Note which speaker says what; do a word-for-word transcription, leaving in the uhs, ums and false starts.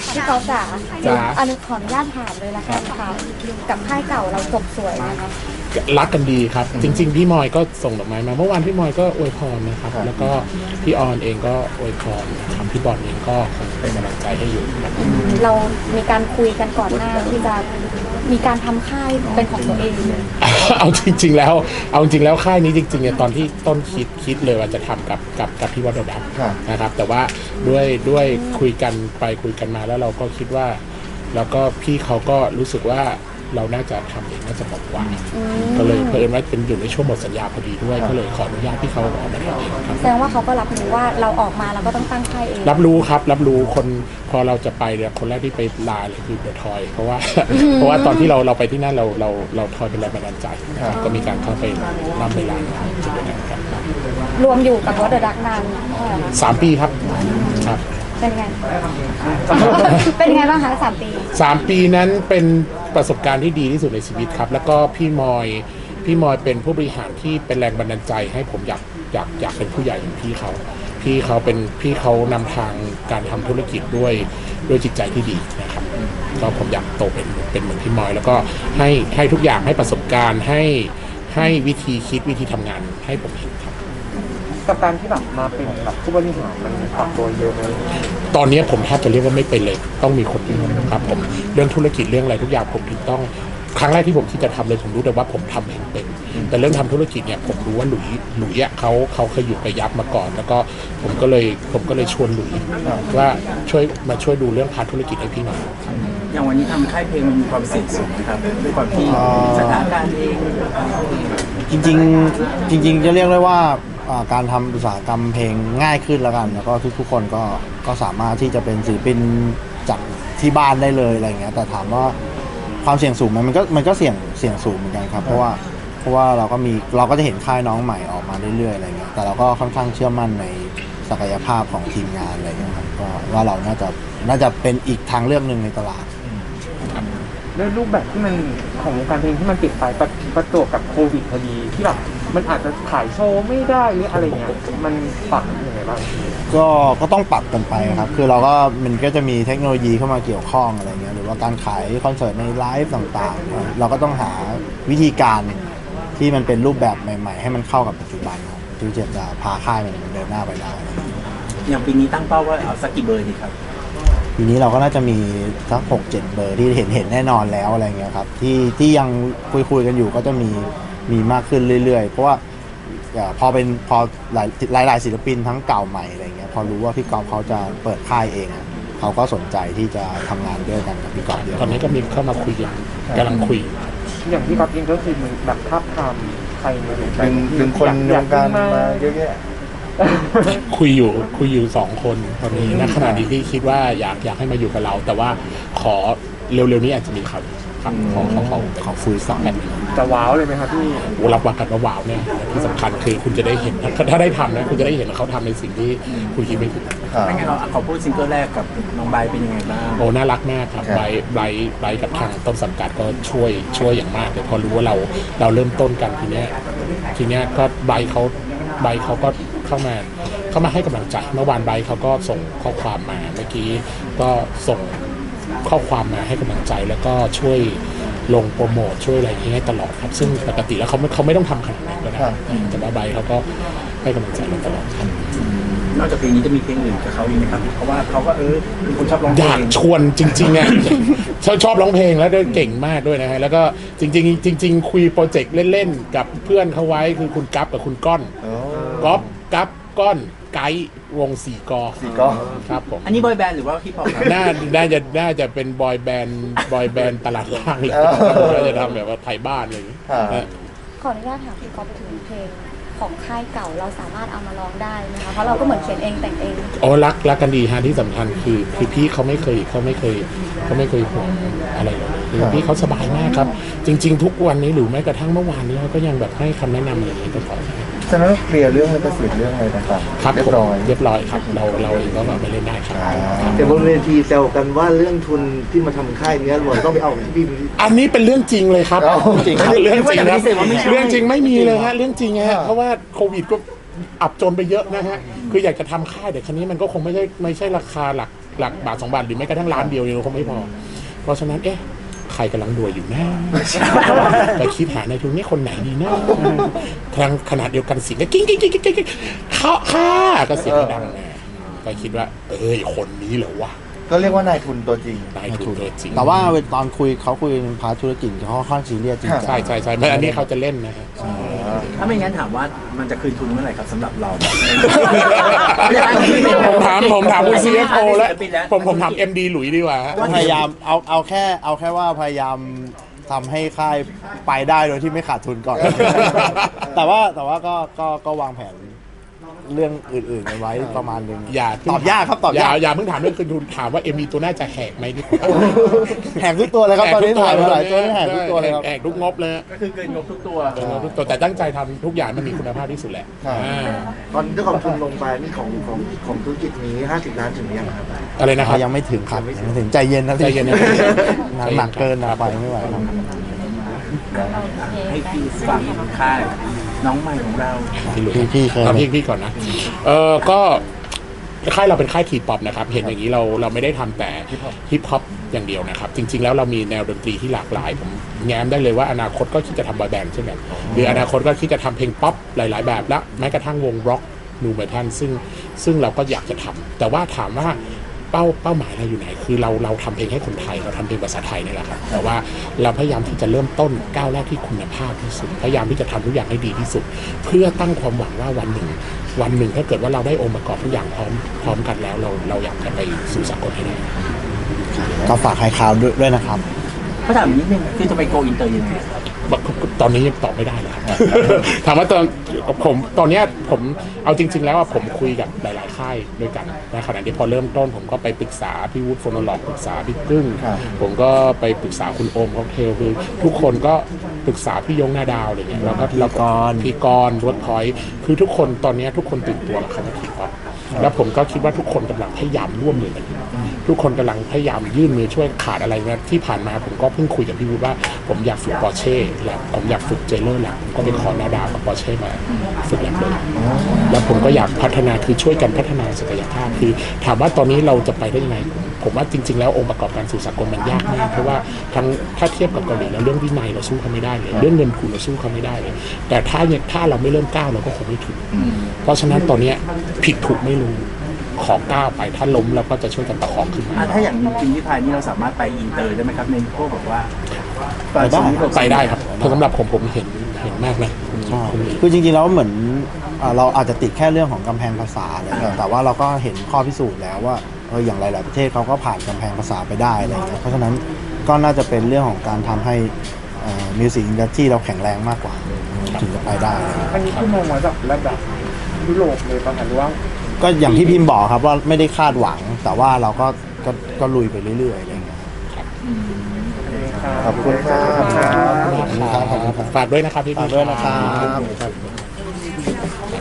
Speaker 1: พี่กอล์ฟจ๋า
Speaker 2: จ๋า
Speaker 1: อันนี้ขออนุญาตถามเลยละกันค่ะกับค่ายเก่าเราจบสวยนะคะ
Speaker 2: รักกันดีครับ จริง ๆ พี่มอยก็ส่งดอกไม้มาเมื่อวานพี่มอยก็อวยพรนะครับ แล้วก็พี่ออนเองก็อวยพรนะครับพี่บอลเองก็คงเป็นกำลังใจให้อยู่ครับ
Speaker 1: เรามีการคุยกันก่อนหน้าที่จะมีการทำค่ายเป็นของตัวเอง
Speaker 2: เอาจริง ๆ แล้วเอาจริงแล้วค่ายนี้จริงๆเนี่ยตอนที่ต้นคิดคิดเลยว่าจะทำกับกับกับพี่วัดดับนะครับ แต่ว่าด้วยด้วยคุยกันไปคุยกันมาแล้วเราก็คิดว่า แล้วก็พี่เขาก็รู้สึกว่าเราน่าจะทำเองน่าจะเหมาะกว่าก็เลยเพิ่มว่าเป็นอยู่ในช่วงหมดสัญญาพอดีด้วยก็เลยขออนุญาตพี่เขาออกมาทำเองครับ
Speaker 1: แสดงว่าเขาก็รับรู้ว่าเราออกมาเราก็ต้องตั้งค่ายเอง
Speaker 2: รับรู้ครับรับรู้คนพอเราจะไปเนี่ยคนแรกที่ไปลาเลยคือเดอะทอยเพราะว่า เพราะว่าตอนที่เราเราไปที่นั่นเราเราเราทอยเป็นแรงบันดาลใจนะครับก็มีการเข้าไปนำไปลานจุดนั้นครับ
Speaker 1: รวมอยู่กับวอเดอร์ดักนานเท่าไหร่คะ
Speaker 2: สามปีครับครับ
Speaker 1: เป็นไง เป็นไงบ้างคะสามปี
Speaker 2: สามปีนั้นเป็นประสบการณ์ที่ดีที่สุดในชีวิตครับ แล้วก็พี่มอยพี่มอยเป็นผู้บริหารที่เป็นแรงบันดาลใจให้ผมอยากอยากอยากเป็นผู้ใหญ่อย่างพี่เขาพี่เขาเป็นพี่เขานำทางการทำธุรกิจด้วยด้วยจิตใจที่ดีนะครับก็ผมอยากโตเป็นเป็นเหมือนพี่มอย แล้วก็ให้ให้ทุกอย่างให้ประสบการณ์ให้ให้วิธีคิดวิธีทำงานให้ผมเห็นครับ
Speaker 3: กับการที่แบบมาเป็นแบบผู้บริหารมันปรับตัวเยอะไหม
Speaker 2: ตอนนี้ผมแทบจะเรียกว่าไม่เป็นเลยต้องมีคนอื่นครับผมเรื่องธุรกิจเรื่องอะไรทุกอย่างผมถึงต้องครั้งแรกที่ผมคิดจะทำเลยผมรู้แต่ว่าผมทำเองเป็นแต่เรื่องทำธุรกิจเนี่ยผมรู้ว่าหลุยหลุยอ่ะเขาเขาเคยอยู่กับยักษ์มาก่อน แล้วก็ผมก็เลยผมก็เลยชวนหลุยว่าช่วยมาช่วยดูเรื่องพาร์ทธุรกิจให้พี่หน่อย
Speaker 4: อย่างวันนี้ทำค่ายเพลงมันมีความเสี่ยงสูงนะครับด้วยความที่สถานการณ์เอง
Speaker 5: จริงๆจริงๆจะเรียกได้ว่าอ่าการทำอุตสาหกรรมเพลงง่ายขึ้นแล้วกัน แล้วก็ทุกๆคนก็ก็สามารถที่จะเป็นศิลปินจากที่บ้านได้เลยอะไรเงี้ยแต่ถามว่าความเสี่ยงสูงไหมมันก็มันก็เสี่ยงเสี่ยงสูงเหมือนกันครับเพราะว่าเพราะว่าเราก็มีเราก็จะเห็นค่ายน้องใหม่ออกมาเรื่อยๆอะไรเงี้ยแต่เราก็ค่อนข้างเชื่อมั่นในศักยภาพของทีมงานอะไรเงี้ยครับก็ว่าเราน่าจะน่าจะเป็นอีกทางเลือกหนึ่งในตลาด
Speaker 3: ด้วยรูปแบบที่มันของวงการเพลงที่มันปิดไปประประจวบกับโควิดพอดีที่แบบมันอาจจะถ่ายโชว์ไม่ได้หรืออะไรเงี้ยมันปรับยังไงบ้าง
Speaker 5: ก็ก็ต้องปรับกันไปครับคือเราก็มันก็จะมีเทคโนโลยีเข้ามาเกี่ยวข้องอะไรเงี้ยหรือว่าการขายคอนเสิร์ตในไลฟ์ต่างๆเราก็ต้องหาวิธีการที่มันเป็นรูปแบบใหม่ๆให้มันเข้ากับปัจจุบันครับที่จะพาค่ายมันเดินหน้าไปได้
Speaker 4: อย่างปีนี้ตั้งเป้าว่าเอาสักกี่เบอร์ดีครับ
Speaker 5: ปีนี้เราก็น่าจะมีสักหกเจ็ดเบอร์ที่เห็นเห็นแน่นอนแล้วอะไรเงี้ยครับที่ที่ยังคุยคุยกันอยู่ก็จะมีมีมากขึ้นเรื่อยๆเพราะว่าพอเป็นพอหลายหลายหลายศิลปินทั้งเก่าใหม่อะไรเงี้ยพอรู้ว่าพี่กอล์ฟเขาจะเปิดค่ายเองเขาก็สนใจที่จะทำงานด้วยกันกับพี่กอล์ฟเยอะ
Speaker 2: ตอนนี้ก็มีเข้ามาคุยกันกำลังคุย
Speaker 3: อย่างที่ก๊อฟเองก็คือมันแบบทับทามใครมา
Speaker 6: ดึงดึงคนในวงการมาเยอะแยะ
Speaker 2: คุยอยู่คุยอยู่สองคนตอนนี้ณขณะนี้ที่คิดว่าอยากอยากให้มาอยู่กับเรา แต่ว่าขอเร็วๆนี้อาจจะมีครับครับขอขอขอขอคุยสองแผ่น
Speaker 3: จะว้าวเลยไหมครับพี่
Speaker 2: โอ้รับวางกันว่าว้าวเนี่ยที่สำคัญคือคุณจะได้เห็นถ้าถ้าได้ทำนะคุณจะได้เห็นเขาทำในสิ่งที่คุณคิดไม่ถึง
Speaker 4: ไม่งั้นเราขอพูดซิงเกิลแรกกับน้องใบเป็นยังไงบ้าง
Speaker 2: โอ้น่ารักมากครับไบร์ทไบร์ทไบร์ทกับทางต้นสังกัดก็ช่วยช่วยอย่างมากเลยพอรู้ว่าเราเราเริ่มต้นกันทีเนี้ยทีเนี้ยก็ไบร์ทเขาไบร์ทเขาก็เข้ามาเข้ามาให้กำลังใจเมื่อวานไบร์ทเขาก็ส่งข้อความมาเมื่อกี้ก็ส่งข้อความมาให้กำลังใจแล้วก็ช่วยลงโปรโมทช่วยอะไรอย่างเงี้ยตลอดครับซึ่งปกติแล้วเขาไม่เขาไม่ต้องทำขนาดนั้นก็ได้แต่ว่าไบร์ทเขาก็ให้กำลังใจเราตลอดครับ
Speaker 4: นอกจากเพลงนี้จะมีเพลงอื่นกับเขาอีกไหมครับเพราะว่าเขาก็เออเป็นคนชอบร้องเพ
Speaker 2: อ
Speaker 4: ล
Speaker 2: ยาก
Speaker 4: ง
Speaker 2: ชวนจริงๆอ่ะ ชอบชอบร้องเพลงแล้วด้วยเก่งมากด้วยนะฮะแล้วก็จริงๆจริง ๆ คุยโปรเจกต์เล่นๆกับเพื่อนเขาไว้คือคุณกั๊บกับคุณก้อนก๊อฟกั๊บก้อนไกด์วงสี่กอ
Speaker 6: สี่กอ
Speaker 2: ครับผม
Speaker 4: อันนี้บอยแบนด์หรือว่าฮิปฮอปครับ
Speaker 2: น่าน่าจะน่าจะเป็นบอยแบนด์บอยแบนด์ตลาดล่างเลยน่าจะทำแบบว่าไทยบ้านอะไรอย่างเงี้ยนะ
Speaker 1: ขออนุญาตถามพี่กอล์ฟถึงเพลงของค่ายเก่าเราสามารถเอามาร้องได้ไหมคะเพราะเราก็เหมือนเขียนเองแต่งเอง
Speaker 2: โอ้รักรักกันดีฮะที่สำคัญคือคือพี่เขาไม่เคยเขาไม่เคยเขาไม่เคยห่วงอะไรเลยคือพี่เขาสบายมากครับ จริง ๆ ทุกวันนี้หรือแม้กระทั่งเมื่อวานนี้เขาก็ยังแบบให้คำแนะนำอะไรอย่างนี้ตลอด
Speaker 6: ฉะนั้นเคลียร์เรื่องลิขสิทธิ์เรื่องอะไรต่างๆ
Speaker 2: ครับ
Speaker 6: เรีย
Speaker 2: ผม
Speaker 6: บร้อย
Speaker 2: เรียบร้อยครับเราเราเองก็แบบไปเล่นได้ครับ
Speaker 7: แต่บนเวทีแซวกันว่าเรื่องทุนที่มาทำค่ายเนี้ยเราต้องไปเอาที่พี่
Speaker 2: อันนี้เป็นเรื่องจริงเลยครับ
Speaker 6: เอาจริง
Speaker 2: เรื่องจริงครับ
Speaker 4: ไม่ใช่
Speaker 2: เรื่องจริงไม่มีเลยฮะเรื่องจริงฮะเพราะว่าโควิดก็อับจนไปเยอะนะฮะคืออยากจะทำค่ายแต่ครั้นี้มันก็คงไม่ใช่ไม่ใช่ราคาหลักหลักบาทสองบาทหรือแม้กระทั่งล้านเดียวเนี่ยคงไม่พอเพราะฉะนั้นเอ๊ะใครกำลังรวยอยู่นะไปคิดหาในทุนนี้คนไหนดีนะทางขนาดเดียวกันเสียงก็กิ้งกิ้งกิ้งกิ้งกิ้งเขาค่าก็เสียงดังนะก็คิดว่าเอ้ยคนนี้เหรอวะ
Speaker 6: ก็เรียกว่านายทุนตัวจริง
Speaker 2: นายทุนตัวจริง
Speaker 5: แต่ว่าตอนคุยเขาคุยพาร์ทธุรกิจเขาค่อนข้างซีเรียสจริงจัง
Speaker 2: ใช่ใช่ใช่ไม่อันนี้เขาจะเล่นนะฮะ
Speaker 4: ถ้าไม่งั้นถามว่ามันจะคืนทุนเมื่อไหร่ครับสำหรับเรา
Speaker 2: ผมถามผมถามคุณ ซี เอฟ โอ แล้ว
Speaker 4: ศิลปินแล้ว
Speaker 2: ผมผมถาม เอ็ม ดี หลุยดีกว่า
Speaker 5: พยายามเอาเอาแค่เอาแค่ว่าพยายามทำให้ค่ายไปได้โดยที่ไม่ขาดทุนก่อน แต่ว่าแต่ว่าก็ก็ก็วางแผนเรื่องอื่นๆไว้ประมาณนึง
Speaker 2: อย่า
Speaker 5: ตอบยากครับตอบยาก
Speaker 2: อย่าอย่าเพิ่งถามเรื่องคืนทุนถามว่า เอ็ม ดี ตัวน่าจะแหกไหมดีกว่า
Speaker 5: แหกทุกตัวเลยครับตอนนี้ถ่ายมาหลายตัวนี่แหกทุกตัวเลยครับ
Speaker 2: แหกทุกงบเลย
Speaker 4: ก็คือเกินงบทุกตัว
Speaker 2: แหกทุกตัวแต่ตั้งใจทำทุกอย่างมันมีคุณภาพที่สุดแหละ
Speaker 6: ครับ
Speaker 2: อ่า
Speaker 7: ตอนที่ความทุนลงไปนี่ของของของธุรกิจนี้ห้าสิบล้านถึงหรือยังครับ
Speaker 2: อะไรนะครับ
Speaker 5: ยังไม่ถึงครับยังไม่ถึงใจเย็นนะพี่
Speaker 2: ใจเย็นนะ
Speaker 5: หนักหนักเกินนะไปไม่ไหวครับ
Speaker 4: ให้พี่ฟังค่ายน้องใหม่ของเรา
Speaker 2: พี่หลุย
Speaker 5: พี่พี่เคย
Speaker 2: เอาพี่พี่ก่อนนะเออก็ค่ายเราเป็นค่ายทีป๊อปนะครับเห็นอย่างนี้เราเราไม่ได้ทำแต่ฮิปฮอปอย่างเดียวนะครับจริงๆแล้วเรามีแนวดนตรีที่หลากหลายผมแง้มได้เลยว่าอนาคตก็คิดจะทำบอยแบนด์เช่นกันหรืออนาคตก็คิดจะทำเพลงป๊อปหลาย ๆ แบบและแม้กระทั่งวงร็อกนูเมทัลซึ่งซึ่งเราก็อยากจะทำแต่ว่าถามว่าเป้าเป้าหมายเราอยู่ไหนคือเราเราทำเพลงให้คนไทยเราทำเพลงภาษาไทยนี่แหละครับแต่ว่าเราพยายามที่จะเริ่มต้นก้าวแรกที่คุณภาพที่สุดพยายามที่จะทำทุกอย่างให้ดีที่สุด เพื่อตั้งความหวังว่าวันหนึ่งวันหนึ่งถ้าเกิดว่าเราได้องค์ประกอบทุกอย่างพร้อมพร้อมกันแล้วเราเราอยากจะไปสู่สากลให้ได้
Speaker 5: ก็ฝากไฮคาวด้วยด้วยนะครับ
Speaker 4: เขาถามนิดนึงคือจะไปโกอินเตอร์ยังไง
Speaker 2: ตอนนี้ยังตอบไม่ได้เลยครับ ถามว่าตอนผมตอนเนี้ยผมเอาจริง ๆ แล้วว่าผมคุยกับหลาย ๆ ค่ายด้วยกันในขณะที่พอเริ่มต้นผมก็ไปปรึกษาพี่วูดโฟโนโลกปรึกษาพี่กึ้ง
Speaker 6: ครับ
Speaker 2: ผมก็ไปปรึกษาคุณโอมค็อกเทลคือทุกคนก็ปรึกษาพี่ยงหน้าดาวอะไรเงี้ยแล้วก็แล้วก็พี่กรณ์รถพอยต์คือทุกคนตอนเนี้ยทุกคนตื่นตัวกับคำว่าทีป๊อปแล้วผมก็คิดว่าทุกคนกำลังพยายามร่วมมือกันอยู่ทุกคนกำลังพยายามยื่นมือช่วยขาดอะไรนะที่ผ่านมาผมก็เพิ่งคุยกับพี่วูดว่าผมอยากฝึกปอร์เช่แล้วผมอยากฝึกเจเลอร์แลบผมก็ไปขอหน้าดาวกับปอร์เช่มาฝึกแลบเลยแล้วผมก็อยากพัฒนาคือช่วยกันพัฒนาศักยภาพคือถามว่าตอนนี้เราจะไปได้ยังไงผมผมว่าจริง ๆ แล้วองค์ประกอบการสู่สากลมันยากมากเพราะว่าทั้งถ้าเทียบกับเกาหลีแล้วเรื่องวินัยเราสู้เขาไม่ได้เลยเรื่องเงินทุนเราสู้เขาไม่ได้เลยแต่ถ้าเนี่ยถ้าเราไม่เริ่มก้าวเราก็คงไม่ถึงเพราะฉะนั้นตอนเนี้ยผิดถูกไม่รู้ขอก้าวไปถ้าล้มเราก็จะช่วยกันประคองขึ้นมา
Speaker 4: อ่ะถ้าอย่างจริงที่พายนี่เราสามารถไปอินเตอร์ได้ไหมครับในพวกแบบว่า
Speaker 5: ไปได้
Speaker 2: ไปได้ครับเพราะสำหรับผมผมเห็นเห็นมากนะ
Speaker 5: ใช่คือจริงๆแล้วเหมือนอ่าเราอาจจะติดแค่เรื่องของกำแพงภาษาอะไรเงี้ยแต่ว่าเราก็เห็นข้อพิสูจน์แล้วว่าเอออย่างหลายๆประเทศเขาก็ผ่านกำแพงภาษาไปได้อะไรเงี้ยเพราะฉะนั้นก็น่าจะเป็นเรื่องของการทำให้มิวสิกอินดัสทรีเราแข็งแรงมากกว่าถึงจะไปได้
Speaker 3: อันนี้คือมองมาจากระดับยุโรปเลยป่ะคะหรือว่า
Speaker 5: ก็อย่างที่พิมพ์บอกครับว่าไม่ได้คาดหวัง แต่ว่าเราก็ก็ก็ลุยไปเรื่อยๆอะไรเงี้ย
Speaker 6: ขอบคุณครับ
Speaker 5: ขอบคุณครับขอบคุณครับ
Speaker 2: ฝากด้วยนะครับพี่ๆ
Speaker 5: ฝากด้วยนะครับ
Speaker 2: ครับ